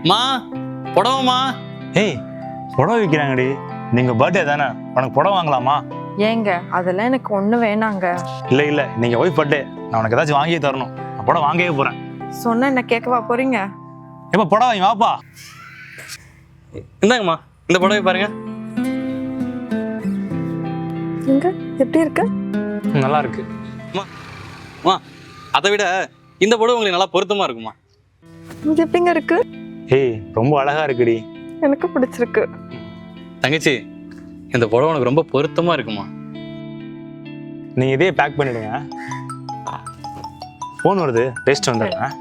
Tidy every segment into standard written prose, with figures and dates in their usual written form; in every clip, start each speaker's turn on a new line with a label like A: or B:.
A: மா புடவைமா.
B: ஏய் புடவை விற்கிறாங்கடி, நீங்கள் பர்த்டே தானே, உனக்கு புடவை வாங்கலாமா?
C: ஏங்க அதெல்லாம் எனக்கு ஒண்ணு வேணாங்க.
B: இல்லை இல்லை, நீங்கள் ஒய்ஃப் பர்த்டே, நான் உனக்கு ஏதாச்சும் வாங்கியே தரணும். நான் புடவை வாங்கவே போகிறேன்.
C: சொன்ன என்ன கேட்கவா போறீங்க?
B: ஏப்பா புடவை வாங்கி வாப்பா.
A: இந்தாங்கம்மா, இந்த புடவை பாருங்க.
C: இங்க எப்படி இருக்கு?
B: நல்லா இருக்கு.
A: அம்மா அதை விட இந்த புடவை உங்களுக்கு நல்லா பொருத்தமா இருக்குமா?
C: இது எப்படிங்க இருக்கு?
B: ஏய் ரொம்ப அழகா இருக்குடி.
C: எனக்கு பிடிச்சிருக்கு.
A: தங்கச்சி, இந்த புடவை உனக்கு ரொம்ப பொருத்தமா இருக்குமா?
B: நீங்கள் இதே பேக் பண்ணிடுங்க. ஃபோன் வருது, பேசிட்டு வந்துடுறேன்.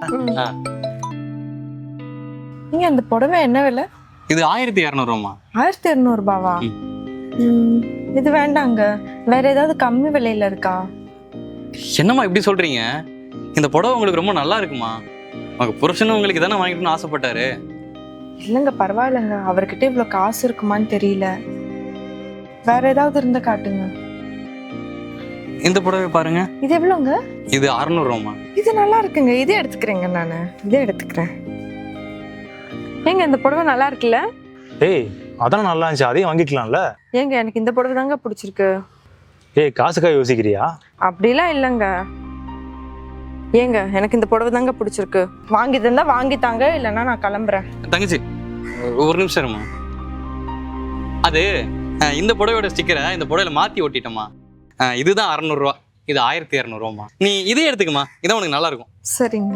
C: நீங்க அந்த புடவை என்ன விலை?
A: இது 1200
C: 1200 ரூபாவா? இது வேண்டாங்க, வேற ஏதாவது கம்மி விலையில இருக்கா?
A: என்னம்மா இப்படி சொல்றீங்க? இந்த புடவை உங்களுக்கு ரொம்ப நல்லா இருக்குமா? உங்க புருஷனும் உங்களுக்கு தானே வாங்கிக்கணும்னு ஆசைப்பட்டாரு.
C: இல்லைங்க பரவாயில்லைங்க, அவர்கிட்ட இவ்வளவு காசு இருக்குமான்னு தெரியல. வேற ஏதாவது இருந்தா காட்டுங்க.
A: இந்த புடவை பாருங்க.
C: இது எவ்வளோங்க?
A: இது 600
C: இது நல்லா இருக்குங்க, இதே எடுத்துக்கிறேங்க. நான் இதே எடுத்துக்கிறேன். ஏங்க இந்த புடவை நல்லா இருக்குல்ல?
B: ஏய் அதான் நல்லா இருந்துச்சு, அதையும் வாங்கிக்கலாம்ல.
C: ஏங்க எனக்கு இந்த புடவை தாங்க பிடிச்சிருக்கு.
B: ஏய் காசுக்காக யோசிக்கிறியா?
C: அப்படிலாம் இல்லைங்க. ஏங்க எனக்கு இந்த புடவை தாங்க பிடிச்சிருக்கு. வாங்கி தந்தா வாங்கித்தாங்க, இல்லைன்னா நான் கிளம்புறேன்.
A: தங்கச்சி ஒரு நிமிஷம் இருமா. அது இந்த புடவையோட ஸ்டிக்கரை இந்த புடவையில மாத்தி ஒட்டிட்டோமா. இதுதான் 600 இது 1200 நீ இதே எடுத்துக்கமா, இதான் உனக்கு நல்லா இருக்கும்.
C: சரிங்க.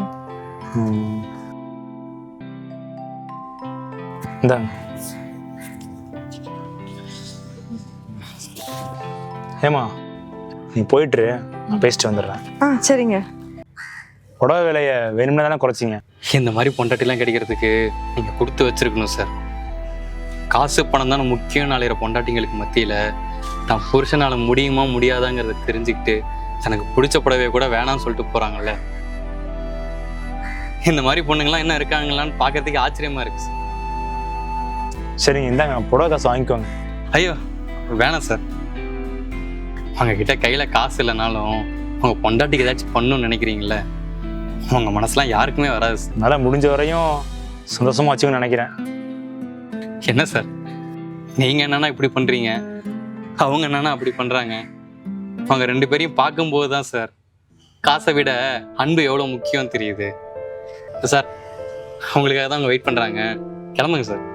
B: இந்தாங்க. ஏமா நீ போயிட்டு நான் பேசிட்டு வந்துடுறேன்.
C: சரிங்க.
B: புடவை விலையை வேணும்னா தானே குறைச்சிங்க.
A: இந்த மாதிரி பொண்டாட்டிலாம் கிடைக்கிறதுக்கு நீங்க கொடுத்து வச்சிருக்கணும் சார். காசு பணம் தானே முக்கியம் நாளைய பொண்டாட்டிங்களுக்கு மத்தியில தான் புருஷனால முடியுமா முடியாதாங்கிறத தெரிஞ்சுக்கிட்டு தனக்கு பிடிச்ச புடவையை கூட வேணாம்னு சொல்லிட்டு போறாங்கல்ல. இந்த மாதிரி பொண்ணுங்களாம் என்ன இருக்காங்களான்னு பாக்குறதுக்கு ஆச்சரியமா இருக்கு சார்.
B: சரிங்க இந்தாங்க, புடவை காசு வாங்கிக்கோங்க.
A: ஐயோ வேணாம் சார். அவங்க கிட்ட கையில காசு இல்லைனாலும் உங்க பொண்டாட்டிக்கு ஏதாச்சும் பண்ணணும்னு நினைக்கிறீங்களே, உங்க மனசுலாம் யாருக்குமே வராது சார்.
B: நல்லா முடிஞ்ச வரையும் சந்தோஷமா வச்சுக்கணும்னு நினைக்கிறேன்.
A: என்ன சார் நீங்க என்னன்னா இப்படி பண்றீங்க, அவங்க என்னன்னா அப்படி பண்றாங்க. அவங்க 2 பேரையும் பார்க்கும்போது தான் சார் காசை விட அன்பு எவ்வளவு முக்கியம் தெரியுது சார். அவங்களுக்காக தான் அவங்க வெயிட் பண்றாங்க. கிளம்புங்க சார்.